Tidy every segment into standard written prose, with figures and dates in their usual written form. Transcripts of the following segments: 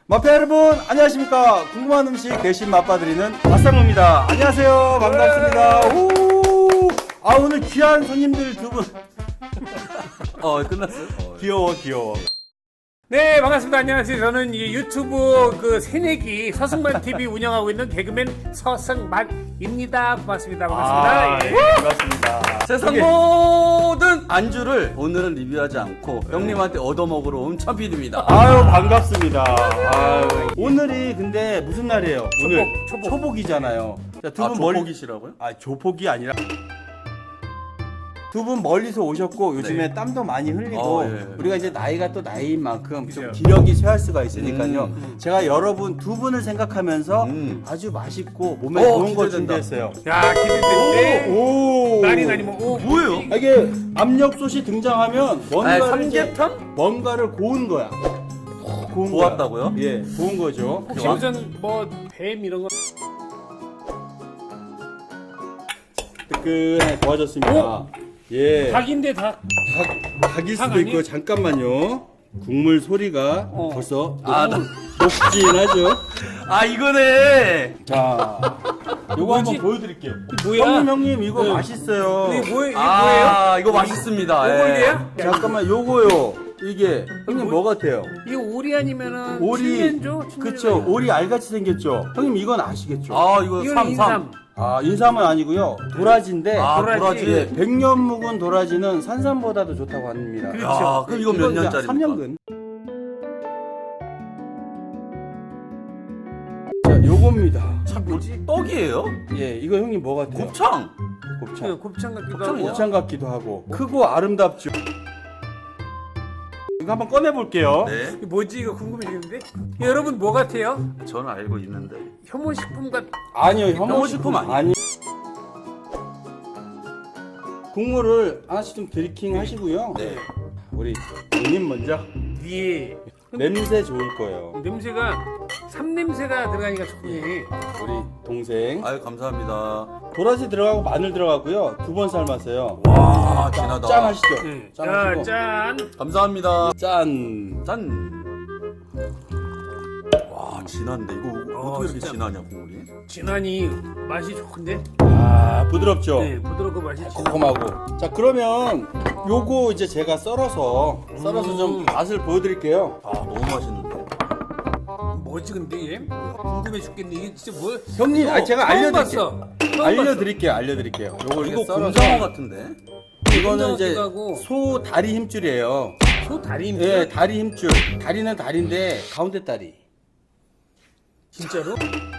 마페 여러분 안녕하십니까. 궁금한 음식 대신 맛봐드리는 맛상무입니다. 안녕하세요. 반갑습니다. 오! 아 오늘 귀한 손님들 두 분. 끝났어요? 귀여워. 네, 반갑습니다. 안녕하세요. 저는 이 유튜브 그 새내기 서승만 TV 운영하고 있는 개그맨 서승만입니다. 고맙습니다. 반갑습니다. 예. 반갑습니다. 세상 모든 안주를 오늘은 리뷰하지 않고 형님한테 얻어먹으러 온 참PD입니다. 아유 반갑습니다. 아유. 오늘이 근데 무슨 날이에요? 오늘 초복. 초복이잖아요. 자, 두 분 조폭이시라고요? 조폭이 아니라 두 분 멀리서 오셨고 요즘에 땀도 많이 흘리고 예. 우리가 이제 나이가 또 나이인 만큼 좀 그죠. 기력이 쇠할 수가 있으니까요. 제가 여러분 두 분을 생각하면서 아주 맛있고 몸에 좋은 거 기대된다. 준비했어요. 야, 기대되는데. 오. 날이 아니면 뭐예요? 아, 이게 압력솥이 등장하면 삼계탕? 뭔가를 고운 거야. 고운 고왔다고요? 거야. 예, 고운 거죠. 혹시 무슨 뭐 뱀 이런 거? 뜨끈하게 고와졌습니다. 예. 닭인데 닭. 닭일 닭 수도 있고 아니에요? 잠깐만요. 국물 소리가 벌써 나- 녹진하죠. 아 이거네. 자, 요거 한번 보여드릴게요. 뭐야? 형님 이거 네. 맛있어요. 이게 뭐예요? 이거 맛있습니다. 이거 예. 이래요? 잠깐만 요거요. 이게 형님 뭐 같아요? 이게 오리 아니면은 오리. 칠면조? 그쵸. 오리 알같이 생겼죠. 형님 이건 아시겠죠? 이거 이거는 삼삼. 인삼. 인삼은 아니고요. 도라지인데 도라지. 도라지. 예, 100년 묵은 도라지는 산삼보다도 좋다고 합니다. 그렇죠. 그럼 이거 몇 년짜리입니까? 3년근. 자, 요겁니다. 참 뭐지? 떡이에요? 예, 이거 형님 뭐 같아요? 곱창. 곱창. 곱창 같기도 곱창이냐? 하고. 곱창 같기도 하고 크고 아름답죠. 이거 한번 꺼내 볼게요. 네. 이게 뭐지? 이거 궁금해지는데? 여러분 뭐 같아요? 저는 알고 있는데. 혐오식품 같. 아니요, 혐오식품 아니에요? 아니. 국물을 하나씩 좀 드리킹 하시고요. 네. 우리 형님 먼저 위에 냄새 좋을 거예요. 냄새가 삼냄새가 들어가니까 좋네. 우리 동생 아유 감사합니다. 도라지 들어가고 마늘 들어가고요. 2번 삶았어요. 와 진하다. 짠 하시죠. 네. 짠 자, 하시고. 짠. 감사합니다. 짠. 짠. 와 진한데 이거 어떻게 이렇게 진짜. 진하냐 국물이? 진하니 맛이 좋은데? 부드럽죠. 네, 부드럽고 맛이 진하. 고마고. 자, 그러면 요거 이제 제가 썰어서 좀 맛을 보여드릴게요. 너무 맛있는데. 뭐지 근데 이게? 궁금해 죽겠네. 이게 진짜 뭐? 형님, 이거 제가 처음 알려드릴게요. 봤어. 처음 알려드릴게요. 요거 이거 썰어서. 곰장어 같은데? 이거는 이제 곰장어 같기도 하고. 소 다리 힘줄이에요. 봤어. 소 다리 힘. 예, 다리 힘줄. 다리는 다리인데 가운데 다리. 진짜로?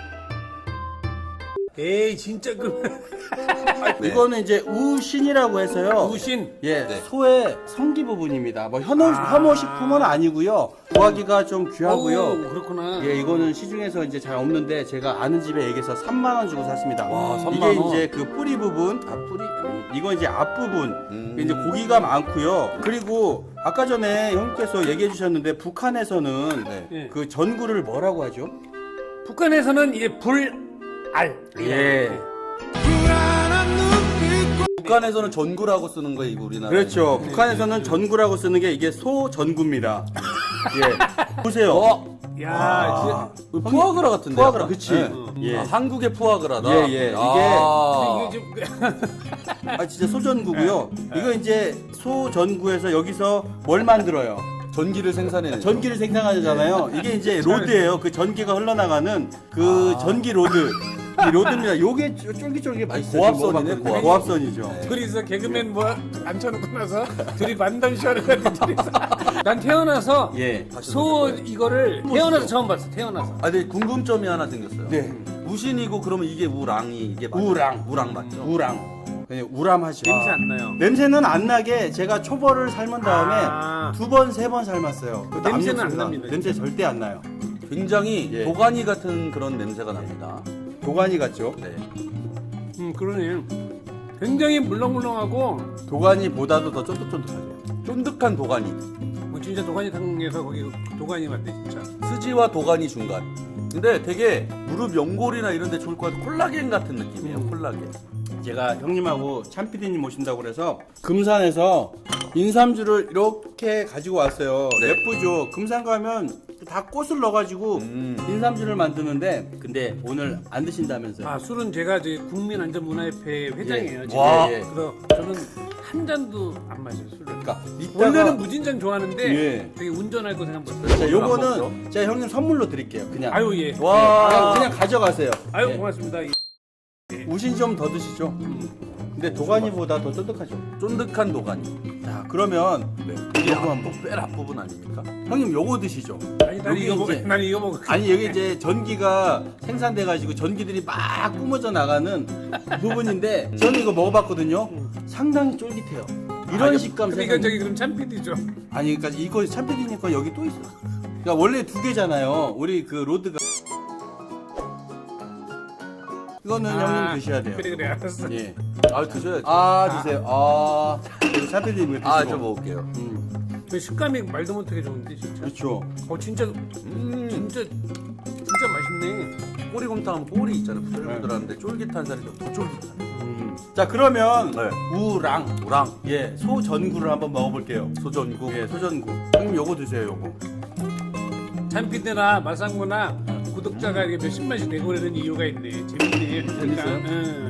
에이 진짜 그 네. 이거는 이제 우신이라고 해서요. 우신. 예, 네. 소의 성기 부분입니다. 뭐 혐오식품은 아니고요. 구하기가 좀 귀하고요. 어우, 그렇구나. 예, 이거는 시중에서 이제 잘 없는데 제가 아는 집에 얘기해서 3만 원 주고 샀습니다. 와, 3만 이게 원. 이제 그 뿌리 부분, 이건 이제 앞부분. 이제 고기가 많고요. 그리고 아까 전에 형님께서 얘기해 주셨는데 북한에서는 네. 예. 그 전구를 뭐라고 하죠? 북한에서는 이게 불알. 예. 북한에서는 전구라고 쓰는 거예요, 이거 우리나라. 그렇죠. 북한에서는 전구라고 쓰는 게 이게 소 전구입니다. 예. 보세요. 야, 진짜. 푸아그라 같은데. 푸아그라, 약간? 그치. 네. 예. 한국의 푸아그라다. 예, 예. 이게 좀 진짜 소전구고요. 이거 이제 소전구에서 여기서 뭘 만들어요? 전기를 생산해내죠. 전기를 생산하잖아요. 이게 이제 로드예요. 그 전기가 흘러나가는 그 전기 로드. 이 로드입니다. 요게 쫄깃쫄깃 맛있어요. 고압선이네, 지금 먹어봤거든요. 고압선. 고압선이죠. 둘이서 개그맨 뭐 앉혀놓고 나서 둘이 만담쇼를 하는 둘이서. 난 태어나서 예. 소 이거를 태어나서 처음 봤어. 태어나서. 근데 궁금점이 하나 생겼어요. 네. 우신이고 그러면 이게 우랑이 이게 맞죠? 우랑. 우랑 맞죠? 우랑. 그냥 우람하죠. 냄새 안 나요. 냄새는 안 나게 제가 초벌을 삶은 다음에 아. 2번, 3번 삶았어요. 그것도 냄새는 안 압력솥이라. 납니다. 냄새 절대 안 나요. 굉장히 예. 도가니 같은 그런 냄새가 납니다. 도가니 같죠? 네. 그러네. 굉장히 물렁물렁하고 도가니보다도 더 쫀득쫀득하죠. 쫀득한 도가니. 뭐 진짜 도가니탕에서 거기 도가니 같대 진짜. 스지와 도가니 중간. 근데 되게 무릎 연골이나 이런 데 좋을 것 같은 콜라겐 같은 느낌이에요. 콜라겐. 제가 형님하고 참피디님 모신다고 그래서 금산에서 인삼주를 이렇게 가지고 왔어요. 네. 예쁘죠? 금산 가면 다 꽃을 넣어가지고 인삼주를 만드는데 근데 오늘 안 드신다면서요? 아 술은 제가 이제 국민안전문화협회 회장이에요. 지금. 와. 그래서 저는 한 잔도 안 마셔요 술을. 그러니까 원래는 무진장 좋아하는데 예. 되게 운전할 거 생각 못해요. 자, 요거는 제가 형님 선물로 드릴게요. 그냥. 아유 예. 와. 그냥 가져가세요. 아유 예. 고맙습니다. 우신 좀 더 드시죠. 근데 도가니보다 더 쫀득하죠. 쫀득한 도가니. 자, 그러면 네. 이게 이게 한번 앞, 뺄 앞부분 아닙니까? 형님 요거 드시죠. 아니 난 여기 이거 먹어. 이제- 난 이거 먹어. 아니 여기 이제 전기가 생산돼가지고 전기들이 막 뿜어져 나가는 부분인데 저는 이거 먹어봤거든요. 상당히 쫄깃해요. 이런 식감 근데 이건 저기 그럼 참PD죠. 아니 그러니까 이거 참피디니까 여기 또 있어. 그러니까 원래 두 개잖아요. 우리 그 로드가 이거는 형님 드셔야 돼요. 그래 알았어. 예. 아 드셔야죠. 아 드세요. 아 참피디님 드시고. 아, 저 먹을게요. 그 식감이 말도 못하게 좋은데 진짜. 그렇죠. 진짜 진짜 맛있네. 꼬리곰탕하면 꼬리 있잖아요. 부들부들한데 쫄깃한 살이 더 쫄깃하네. 자 그러면 네. 우랑 우랑 예 소전구를 한번 먹어볼게요. 소전국. 예 소전구. 형님 요거 드세요 요거. 참PD나 마상무나 구독자가 이렇게 몇십만씩 내고 그러는 이유가 있네. 재밌네. 그러니까, 재밌어요?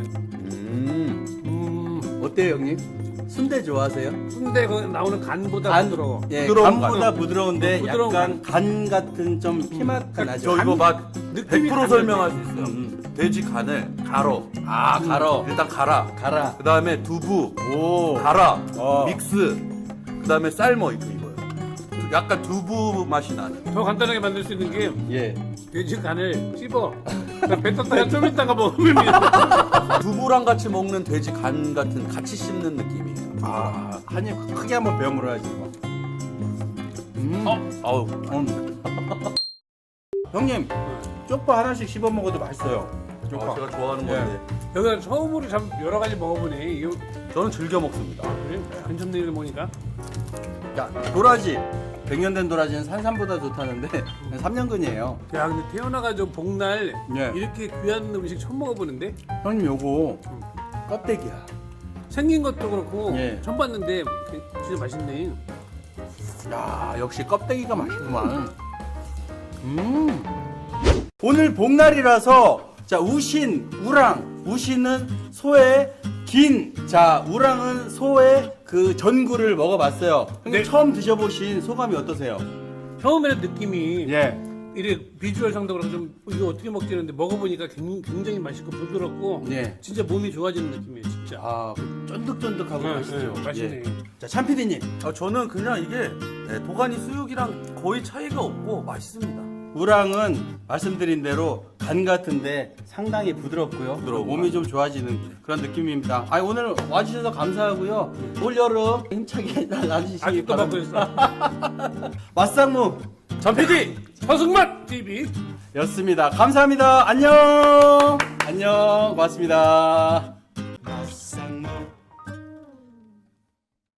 응. 어때요 형님? 순대 좋아하세요? 순대 거 나오는 간보다 부드러워. 예, 부드러운 간보다 부드러운데 부드러운 약간 간 같은 좀 피맛 나죠. 저 이거 맛 느낌이 100% 설명할 수 있어요. 돼지 간을 갈어. 아 갈어 일단 갈아. 갈아. 그 다음에 두부 오 갈아. 어. 믹스. 그 다음에 삶어 이거예요. 약간 두부 맛이 나는. 더 간단하게 만들 수 있는 게 예. 돼지 간을 씹어. 배 떴다가 좀 있다가 먹으면 두부랑 같이 먹는 돼지 간 같은 같이 씹는 느낌이에요. 아 한입 크게 한번 베어 물어야지 이거. 아우. 형님 쪽파 하나씩 씹어 먹어도 맛있어요. 쪽파. 제가 좋아하는 예. 건데 여기가 처음으로 참 여러 가지 먹어보네. 이거 저는 즐겨 먹습니다. 그래? 괜찮네 이거 먹으니까. 자 도라지 100년 된 도라지는 산삼보다 좋다는데 3년근이에요. 야 근데 태어나가지고 복날 예. 이렇게 귀한 음식 처음 먹어보는데 형님 요거 껍데기야. 생긴 것도 그렇고 예. 처음 봤는데 진짜 맛있네. 야 역시 껍데기가 맛있구만. 오늘 복날이라서 자 우신 우랑 우신은 소의 긴, 자 우랑은 소의 그 전구를 먹어봤어요. 형님 네. 처음 드셔보신 소감이 어떠세요? 처음에는 느낌이 예. 이래 비주얼상도 그렇고 좀 이거 어떻게 먹지 했는데 먹어보니까 굉장히 맛있고 부드럽고 예. 진짜 몸이 좋아지는 느낌이에요 진짜. 아 쫀득쫀득하고 맛있죠. 맛있네. 예. 자 참피디님 저는 그냥 이게 도가니 수육이랑 거의 차이가 없고 맛있습니다. 우랑은 말씀드린 대로 간 같은데 상당히 부드럽고요. 부드러운 몸이 좀 좋아지는 그런 느낌입니다. 아 오늘 와주셔서 감사하고요. 올 여름 힘차게 나주시기 아직도 먹고 바랍니다. 있어. 맛상무 전 PD 서승만 TV. 였습니다. 감사합니다. 안녕. 안녕. 고맙습니다.